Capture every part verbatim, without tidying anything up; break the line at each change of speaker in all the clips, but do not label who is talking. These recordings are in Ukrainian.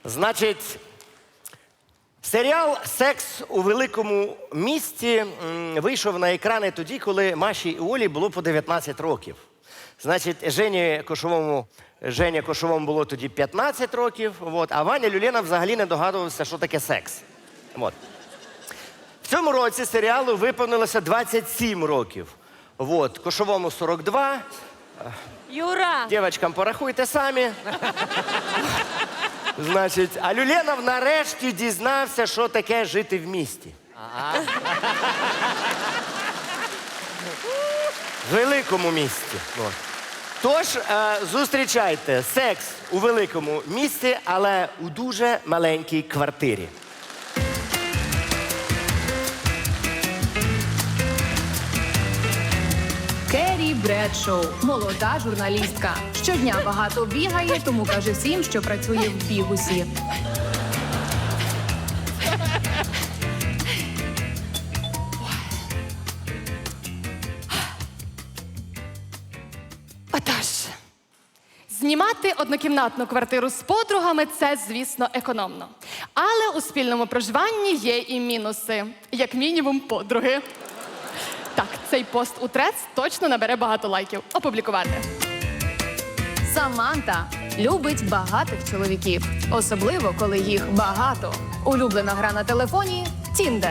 Значить, серіал «Секс у великому місті» м, вийшов на екрани тоді, коли Маші і Олі було по дев'ятнадцять років. Значить, Жені Кошовому, Жені Кошовому було тоді п'ятнадцять років, от, а Ваня Люлєна взагалі не догадувався, що таке секс. От. В цьому році серіалу виповнилося двадцять сім років. От, Кошовому сорок два.
Юра!
Дівчатам порахуйте самі. Значить, а Люленов нарешті дізнався, що таке жити в місті. В великому місті. От. Тож, е, зустрічайте секс у великому місті, але у дуже маленькій квартирі.
Керрі Бредшоу – молода журналістка. Щодня багато бігає, тому каже всім, що працює в бігусі.
Отож, знімати однокімнатну квартиру з подругами – це, звісно, економно. Але у спільному проживанні є і мінуси. Як мінімум, подруги. Так, цей пост у Трец точно набере багато лайків. Опублікувати.
Саманта любить багатих чоловіків. Особливо, коли їх багато. Улюблена гра на телефоні – Тіндер.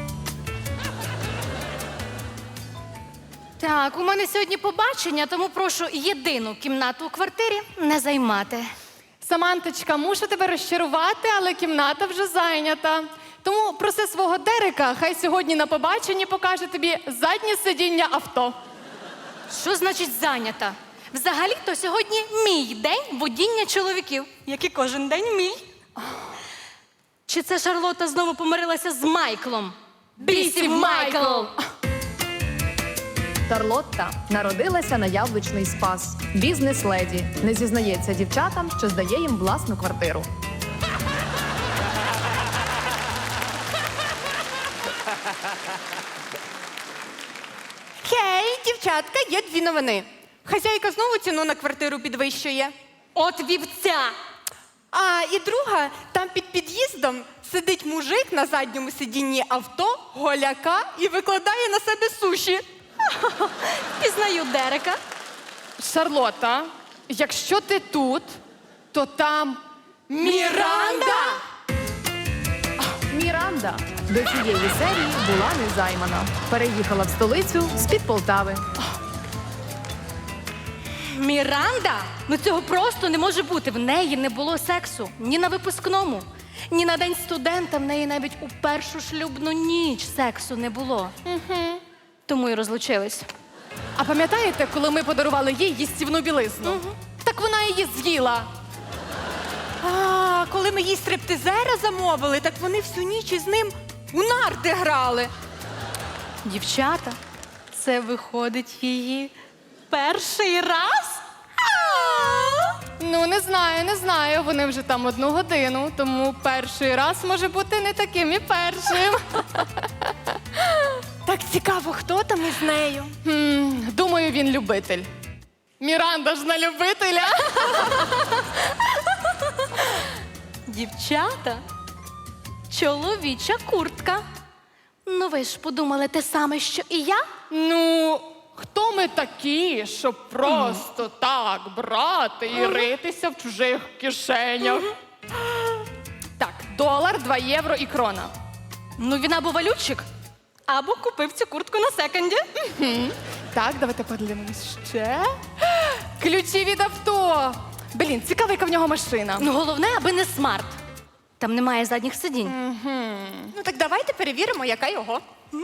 Так, у мене сьогодні побачення, тому прошу єдину кімнату у квартирі не займати.
Саманточка, мушу тебе розчарувати, але кімната вже зайнята. Тому проси свого Дерека, хай сьогодні на побаченні покаже тобі заднє сидіння авто.
Що значить зайнята? Взагалі-то сьогодні мій день водіння чоловіків, як і кожен день мій. Чи це Шарлотта знову помирилася з Майклом? Бісів Майкл!
Шарлотта народилася на яблучний спас. Бізнес-леді. Не зізнається дівчатам, що здає їм власну квартиру.
Хей, дівчатка, є дві новини. Хазяйка знову ціну на квартиру підвищує.
От вівця!
А і друга, там під під'їздом сидить мужик на задньому сидінні авто, голяка і викладає на себе суші.
Пізнаю Дерека.
Шарлотта, якщо ти тут, то там Міранда!
Міранда до цієї серії була незаймана. Переїхала в столицю з-під Полтави.
Міранда? Ну цього просто не може бути. В неї не було сексу. Ні на випускному, ні на день студента. В неї навіть у першу шлюбну ніч сексу не було. Угу. Тому і розлучились.
А пам'ятаєте, коли ми подарували їй їстівну білизну?
Угу.
Так вона її з'їла.
А, коли ми їй стриптизера замовили, так вони всю ніч із ним у нарти грали.
Дівчата, це виходить її перший раз?
Ну, не знаю, не знаю. Вони вже там одну годину, тому перший раз може бути не таким і першим.
Так цікаво, хто там із нею?
Хм, думаю, він любитель. Міранда ж на любителя.
Дівчата, чоловіча куртка. Ну ви ж подумали те саме, що і я?
Ну, хто ми такі, щоб просто так брати і ритися в чужих кишенях? Так, долар, два євро і крона.
Ну він або валютчик, або купив цю куртку на секонді.
Так, давайте подивимось ще. Ключі від авто. Блін, цікаво, яка в нього машина.
Ну головне, аби не смарт. Там немає задніх сидінь.
Ну так давайте перевіримо, яка його. М?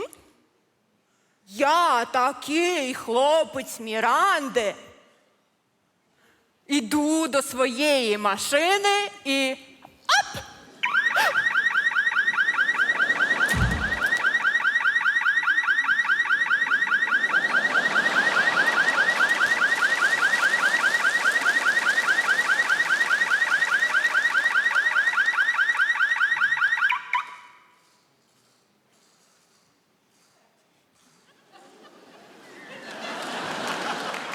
Я такий хлопець Міранди. Іду до своєї машини і...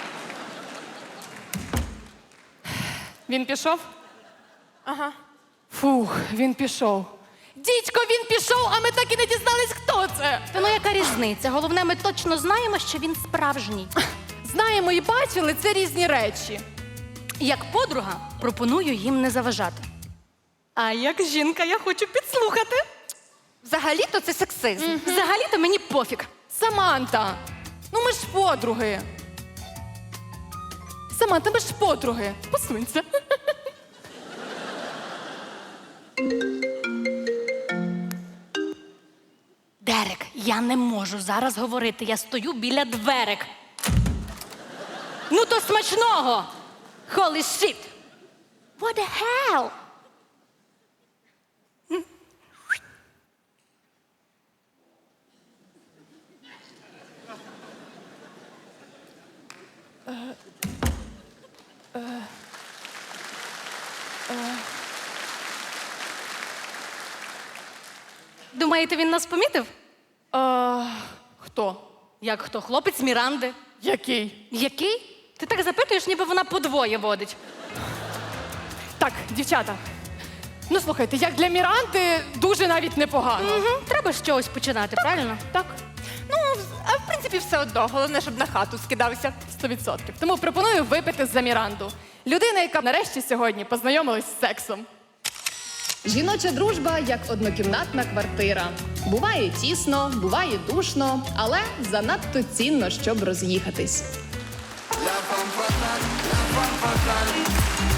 Він пішов?
Ага.
Фух, він пішов. Дідько, він пішов, а ми так і не дізнались, хто це.
Та ну яка різниця? Головне, ми точно знаємо, що він справжній.
Знаємо і бачили, це різні речі.
Як подруга, пропоную їм не заважати. А як жінка, я хочу підслухати.
Взагалі-то це сексизм.
Взагалі-то мені пофіг.
Саманта, ну ми ж подруги. Саманта, ми ж подруги. Посунься.
Дерек, я не можу зараз говорити. Я стою біля дверек. Ну то смачного! Holy shit! What the hell? Думаєте, він нас помітив?
А, хто?
Як хто? Хлопець Міранди.
Який?
Який? Ти так запитуєш, ніби вона подвоє водить.
Так, дівчата. Ну слухайте, як для Міранди дуже навіть непогано.
Угу. Треба з чогось починати, правильно?
Так,
Ну, а в принципі, все одно. Головне, щоб на хату скидався.
сто відсотків. Тому пропоную випити за Міранду. Людина, яка нарешті сьогодні познайомилась з сексом.
Жіноча дружба як однокімнатна квартира. Буває тісно, буває душно, але занадто цінно, щоб роз'їхатись.
La femme fatale, la femme fatale.